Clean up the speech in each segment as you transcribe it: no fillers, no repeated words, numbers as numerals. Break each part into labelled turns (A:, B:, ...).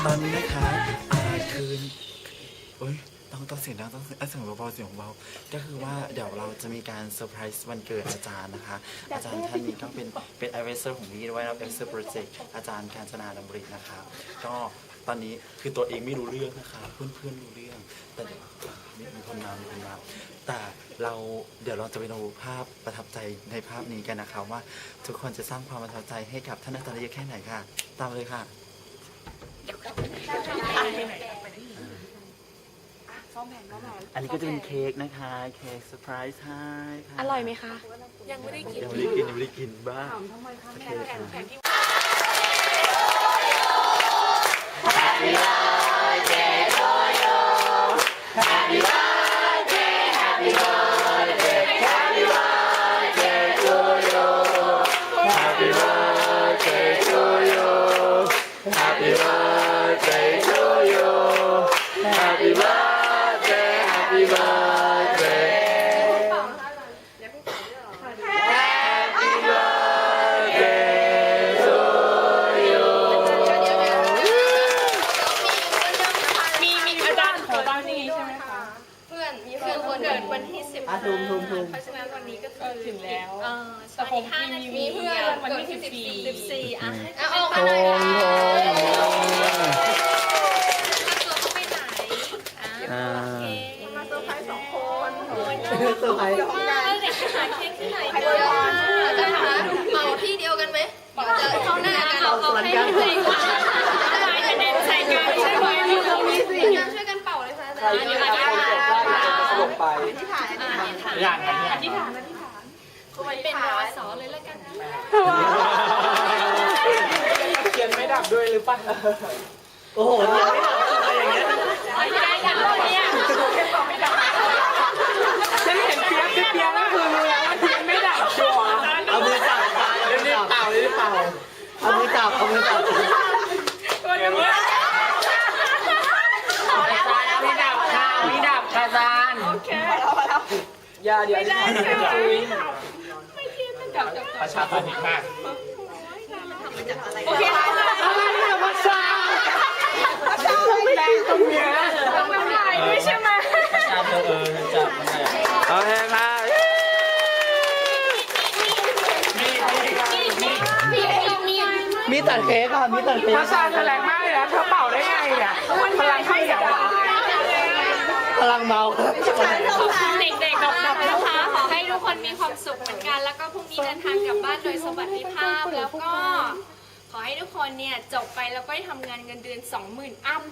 A: อนนี้นะคะคืนโอ๊ยต้องเสียงดังต้องเสียงเบาๆเสียงเบาก็คือว่าเดี๋ยวเราจะมีการเซอร์ไพรส์วันเกิดอาจารย์นะคะอาจารย์ท่านนี้ก็เป็นไอเวเซอร์ของพี่ด้วยนะไอเวเซอร์โปรเจกต์อาจารย์กาญจนาดำรินะคะก็ตอนนี้คือตัวเองไม่รู้เรื่องนะคะเพื่อนๆรู้เรื่องแต่เดี๋ยวมีคนมาแต่เดี๋ยวเราจะไปดูภาพประทับใจในภาพนี้กันนะคะว่าทุกคนจะสร้างความประทับใจให้กับท่านอาจารย์ได้เยอะแค่ไหนค่ะตามเลยค่ะอันนี้ก็จะเป็นเค้กนะคะเค้กเซอร์ไพรส์ให้ค่ะ
B: อร่อยไหมคะ
A: ยังไม่ได้กินบ้างHappy birthday to you Happy birthday Happy birthday Happy birthday to you Happy birthday to you Happy birthday to you Happy birthday Happy birthday
C: วันที่10เพราะฉะนั้นวันนี้ก็คือ
B: ถึงแล้ว
C: แต่ผมมีเพื่อนวันที่14อ่ะออกมาหน่อยไปไหนมาเซอร์ไพรส์2 คนเซอร์ไพรส์เด็กหาเค้กที่ไหนกันจะหาเป่าที่เดียวกันไหมจะเข้าหน้ากันเอาให้เลยอะไรจะเด่นใส่กันใช่ไหมช่วยกันเป่าเลยค่ะอาจารย์
A: อย่างนั้น
C: อธิษฐานเป็นวสเลยแล้วกันนะ
A: เทียนไม่ดับด้วยหรือเปล่าโอ้โหเทียนไม่ดับอะไรอย่างเงี้ย
C: ไม่ได้กันเนี่ยไม่ดับ
B: ฉันเห็นเปียกก็คือรู้แล้วว่าเทียนไม่ดับชัวร์
A: เอามือจับเอามือจับ
B: ตัวยังไม่ดับค่ะไม่ดับค่ะอาจารย์โอเคอย่าเดี๋ยวไม่ได้ไม่เทียนมันดับ
A: ประชาชนอีกมาก
B: โอเคอะไรเนี่ยภาษาแรงตรงเนี้ยต้องน้ำลายด้วยใช่ไหม
A: จับโอเคค่ะมีตัดเค้กค่ะมีตัดเค้ก
B: ภาษาแรงมากเลยนะเธอเป่าได้ไงเนี่ยมันพลังข้าวเหนียว
A: พลังเมา
C: เด็กๆดับนะคะขอให้ทุกคนมีความสุขเหมือนกันแล้วก็พรุ่งนี้เดินทางกลับบ้านโดยสวัสดิภาพแล้วก็ขอให้ทุกคนเนี่ยจบไปแล้วก็ได้ทำงานเงินเดือน 20,000 อัพ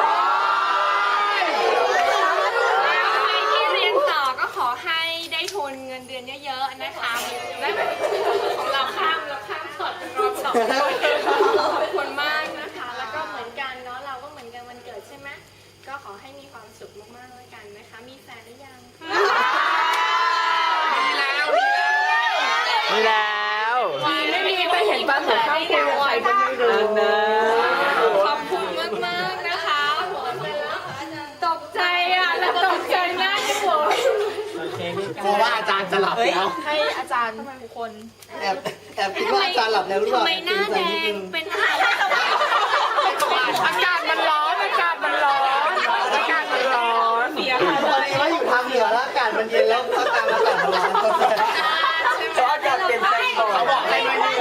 C: แล้วใครที่เรียนต่อก็ขอให้ได้ทุนเงินเดือนเยอะๆนะคะและของเราข้ามสดรอบ2ขอบคุณมากนะคะแล้วก็เหมือนกันเนาะเราก็เหมือนกันวันเกิดใช่ไหมก็ขอให้มีความสุขมากๆแล้วกันนะคะมีแฟนหรือยัง
A: มีแล้ว
B: ไม่มีไปเห็นบ้านของข้าวคุยอะไรก็ไม่รู้
A: นะ
C: ขอบคุณมากๆนะคะตกใจอ่ะแล้วตกใจหน้าจะปวด
A: เพราะว่าอาจารย์จะหลับแล้ว
B: ให้อาจารย์ทุกคน
A: แอบคิดว่าอาจารย์หลับแล้วหรือเปล่า
C: ทำไมหน้าแดงเป็นอะไร
B: อากาศมันร้อน
A: ตอนนี้ว่าอยู่ทางเหนือแล้วอากาศมันเย็นแล้วภาคกลางอากาศมันร้อนเพราะอากาศเปลี่ยนแปลงบ่อยเขาบอกให้มายืน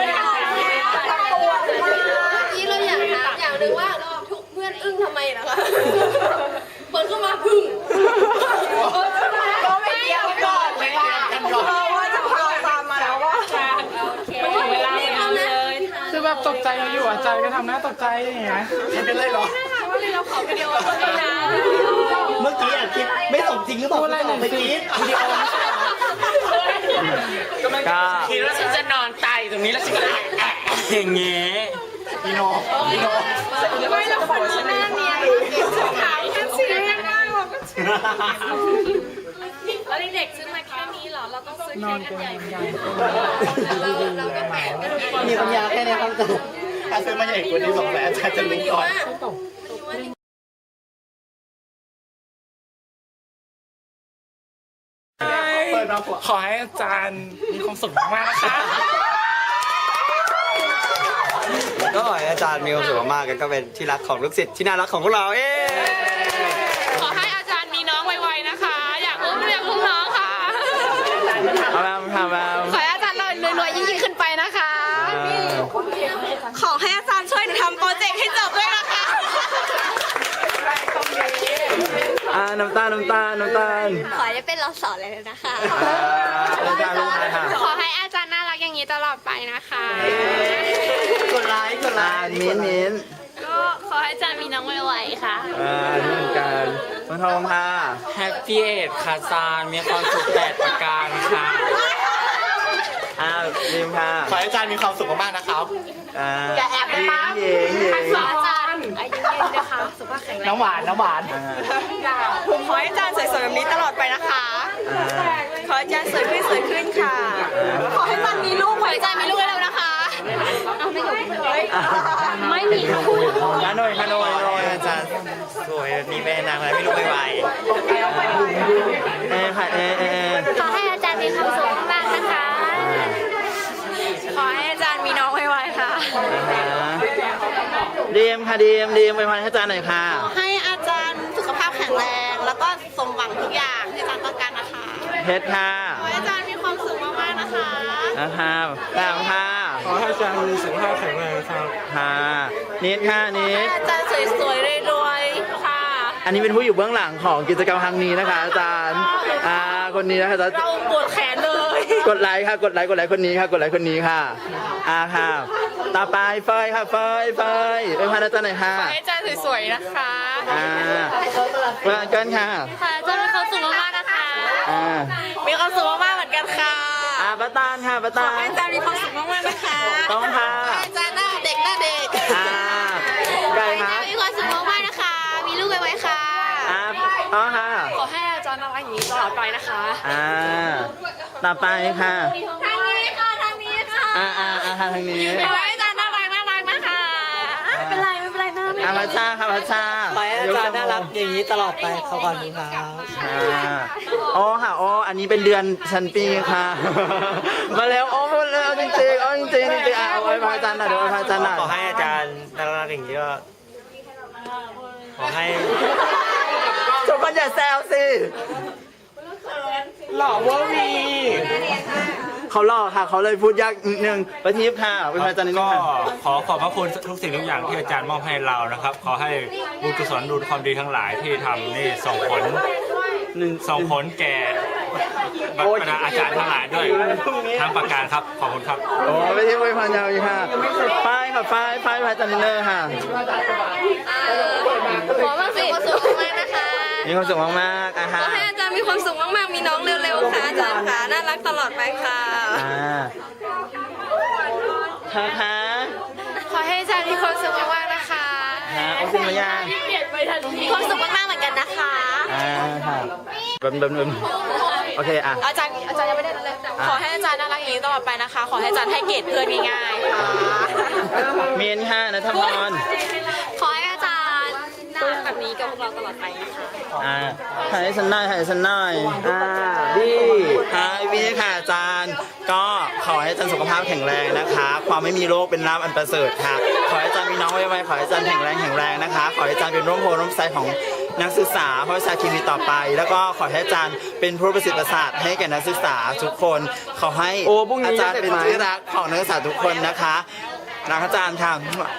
C: นี่เราอยากถามอย่างหนึ่งว่าทุกเพื่อนอึ้งทำไมนะคะเปิดเข้ามาพึ่ง
B: ก็ไม่เกี่ยวก่อนเลยว่าจะพาตามมาแล้วว่า
C: เวลาเลย
B: คือแบบตกใจอยู่อาจารย์ก็ทำหน้าตกใจอย่างเงี้ย
A: ไม่เป็นไรหรอ
C: ว่าเราขอวิดีโอนะ
A: เมื่อกี้คิดไม่สมจริงหรือเปล่าเมื่อกี้วิดีโอก็คิดว่าฉันจะนอนตายตรงนี้แล้วฉันก็อย่างเงี้ยพี่โน
C: ไม่เราคนหน้าเนียนถามแค่เสียงได้เราก็เชื่อแล้วเด็กซื้อมาแค่นี้เหรอเราต้องซื้อเค้กกันใหญ่เราก็แปลกกัน
A: มีปัญญาแค่นี้ครับถ้าซื้อมาใหญ่กว่านี้200,000อาจารย์จะรู้ก่อนขอให้อาจารย์มีความสุขมากๆนะคะ
D: ก็ขอให้อาจารย์มีความสุขมากๆแล้วก็เป็นที่รักของลูกศิษย์ที่น่ารักของพวกเรา
C: ขอให้อาจารย์มีน้องไวๆนะคะ อยากอุ้มน้องค่ะ
A: เอาแบบค่ะแบบ
C: ขอให้อาจารย์รวยๆยิ่งๆขึ้นไปนะคะ
B: ขอให้อาจารย์ช่วยทำโปรเจกต์ให้จบด้วยนะคะ
A: น้ำตาล
B: ขอให้เป็นเราสอนเลยนะคะ
A: อาจารย์ลูกอะไรค่ะ
C: ขอให้อาจารย์น่ารักอย่างนี้ตลอดไปนะคะ
A: กดไลค์มิ้น
C: ก็ขอให้อาจารย์มีน้องไวๆค่ะ
A: นี่เหมือนกันคุณทองค่ะ
D: แฮปปี้เอทคาซานมีความสุข8ประการค่ะ
A: ดิมค่ะ
D: ขอให้อาจารย์มีความสุขมากๆนะครับ
C: อย่าแอบได้ปะ
A: หญิง
C: ขออาจารย์อายุยืนนะคะสุขภาพแข็งแรง
D: น้ำหวาน
B: ขอให้อาจารย์สวยๆแบบนี้ตลอดไปนะคะ ขอให้อาจารย์สวยขึ้นค่ะ ขอให้อาจารย์มีลูก
C: ขอให้อาจารย์มีลูกเร็วๆนะคะไม่มีค่ะ
A: ฮานอย
D: อาจารย์สวยมีแม่นางอะไรไม่รู้ไว
A: ค่ะ
C: ขอให้อาจารย์มีความสุขมากๆนะคะ
B: ขอให้อาจารย์มีน้องไวๆค่ะ
A: ดีมค่ะดีมไปพันให้อาจารย์หน่อยค่ะ
B: ให้อาจารย์สุขภาพแข็งแรง แล้วก็สมหวังทุกอย่างที่อาจารย์ต้องการนะคะ
A: เพชรค่ะ
B: ขอให้อาจารย์มีความสุขมากๆนะคะ
A: แต้มค่ะ
D: ขอให้อาจารย์มีสุขภาพแข็งแรงครับ
A: ค่ะนิดค่ะนิด
B: อาจารย์สวยๆรวยๆค่ะ
A: อันนี้เป็นผู้อยู่เบื้องหลังของกิจกรรมครั้งนี้นะคะ อาจารย์คนนี้นะคะ
B: เราปวดแขนเลย
A: กดไลค์ค่ะกดไลค์คนนี้ค่ะค่ะต่อไปเฟยค่ะเฟยไปพันอาจารย์หน่อยค่ะ
C: ขอให้อาจารย์สวยๆนะคะ
A: เพื่อนเกินค่ะ
C: ค่ะอาจารย์มีความสุขมากๆนะคะ
B: มีความสุขมากๆเหมือนกันค่ะ
A: ป้าตานค่ะป้า
B: ขอ
A: ตา
B: ให้
A: น
B: อาจารย์มีความสุขมากๆนะคะ
A: ต้องค่ะ
B: ขอให้อาจารย์หน้าเด็ก
A: ไก่
C: ขอ
A: ค่ะ
C: ให้อาจารย์มีความสุขมากๆนะคะ มีลูกไวๆค่ะ
A: อ๋อค่ะ
C: ขอให้อาจารย์น่ารักอย่างนี้ตลอดไปนะคะ
A: ต่อไปค่ะ
B: ทางนี้ค่ะทางนี้ค่ะ
A: ทางนี้
B: ขอให้อาจารย์น่ารักนะคะไม่เป็นไรนะ
A: พัชชาค่ะพัชชา
D: ขอให้อาจารย์น่ารักอย่างนี้ตลอดไปขอบคุณครับ
A: อ๋อค่ะอันนี้เป็นเดือนชั้นปีค่ะ มาแล้วหมดแล้วจริงๆเอาไว้พระอาจารย์หน่อยเดี๋ยวไว้พระอาจารย์หน่อย
D: ขอให้อาจารย์น่ารักอย่างนี้ก็ขอให้
A: ทุกคนอย่าแซวสิหล่อเวอร์วีเขาหล่อค่ะเขาเลยพูดยากนิดนึงประทีปค่ะไว้พระอาจารย์นิดนึ
E: ก็
A: งค่ะ
E: ขอขอบพระคุณทุกสิ่งทุกอย่างที่อาจารย์มอบให้เรานะครับ ขอให้บุญกุศลบุญความดีทั้งหลายที่ทำนี่ส่งผลแก่บรรดาอาจารย์ทั้งหลายด้วยทั้งประการครับขอบคุณครับ
A: โอ้ไม่ใช่ไว้พระยาวอีกค่ะป้ายค่ะป้ายพระอาจารย์นิดนึงค่ะ
B: ขอความสุขมากนะคะ
A: มีความสุขมากๆ
B: ขอให้อาจารย์มีความสุขมากๆมีน้องเร็วๆค่ะอาจารย์ค่ะน่ารักตลอดไปค่ะ
A: ค่ะ
C: ขอให้อาจารย์มีความสุขมากๆนะคะ
A: โอ้คุณมาย่าง
C: เปลี่ยนไปทันที
B: มีความสุขมากๆเหมือนกันนะคะ
A: ค่ะโอเค
B: อาจารย์ยังไม่ได้เลยขอให้อาจารย์น่ารักอย่างนี้ตลอดไปนะคะ ขอให้อาจารย์ให้เกียรติเพื่อนง่ายๆค่ะ
A: เมียนค่ะนัทพร
B: ขอให้อาจารย์น่ารักแบบนี้กับพวกเราตลอดไปนะคะ
A: ถ่ายฉันหน่อยดีวีค่ะอาจารย์ก็ขอให้อาจารย์สุขภาพแข็งแรงนะคะความไม่มีโรคเป็นลาภอันประเสริฐค่ะขอให้อาจารย์มีน้องไวๆขอให้อาจารย์แข็งแรงนะคะขอให้อาจารย์เป็นร่มโพร่มไทรของนักศึกษาเพราะวิชาเคมีต่อไป แล้วก็ขอให้อาจารย์เป็นผู้ประสิทธิ์ประสาทให้แก่นักศึกษาทุกคนขอให้อาจารย์เป็นที่รักของนักศึกษาทุกคนนะคะรักอาจารย์ค่ะ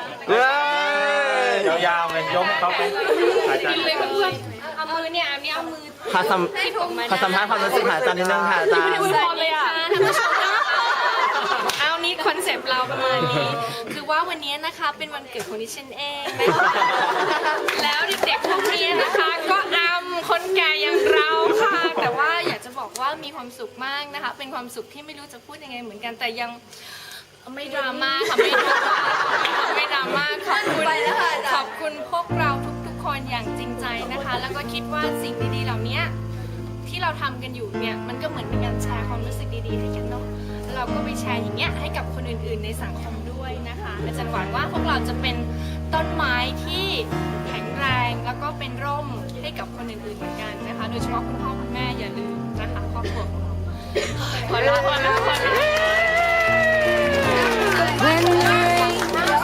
E: ยาวๆเลยยกเขาไปอาจารย์
C: เอามือเนี่ยอันนี้เอามือ
A: ขอสัมภาษณ์ความรู้สึกหาอาจารย์นิดนึงค่ะอาจารย์
C: สวัสดีค่ะท่านผู้ชมเอานี่คอนเซปต์เราประมาณนี้คือว่าวันนี้นะคะเป็นวันเกิดของดิฉันเองนะคะแล้วเด็กๆพวกนี้นะคะก็คนแก่อย่างเราค่ะแต่ว่าอยากจะบอกว่ามีความสุขมากนะคะเป็นความสุขที่ไม่รู้จะพูดยังไงเหมือนกันแต่ยังไม่ดราม่าค่ะไม่ดราม่าขอบคุณพวกเราทุกๆคนอย่างจริงใจนะคะ แล้วก็คิดว่าสิ่งดีๆเหล่านี้ที่เราทำกันอยู่เนี่ยมันก็เหมือนเป็นการแชร์ความรู้สึกดีๆให้กันเนาะเราก็ไปแชร์อย่างเงี้ยให้กับคนอื่นๆในสังคมด้วยนะคะอาจารย์หวังว่าพวกเราจะเป็นต้นไม้ที่แข็งแรงแล้วก็เป็นร่มให้กับคนอื่นๆเหมือนกันนะคะโดยเฉพาะคุณพ่อคุณแม่อย่าลืมนะคะครอบครัวของเราขอลา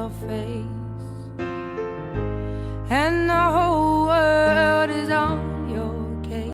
F: your face, and I hope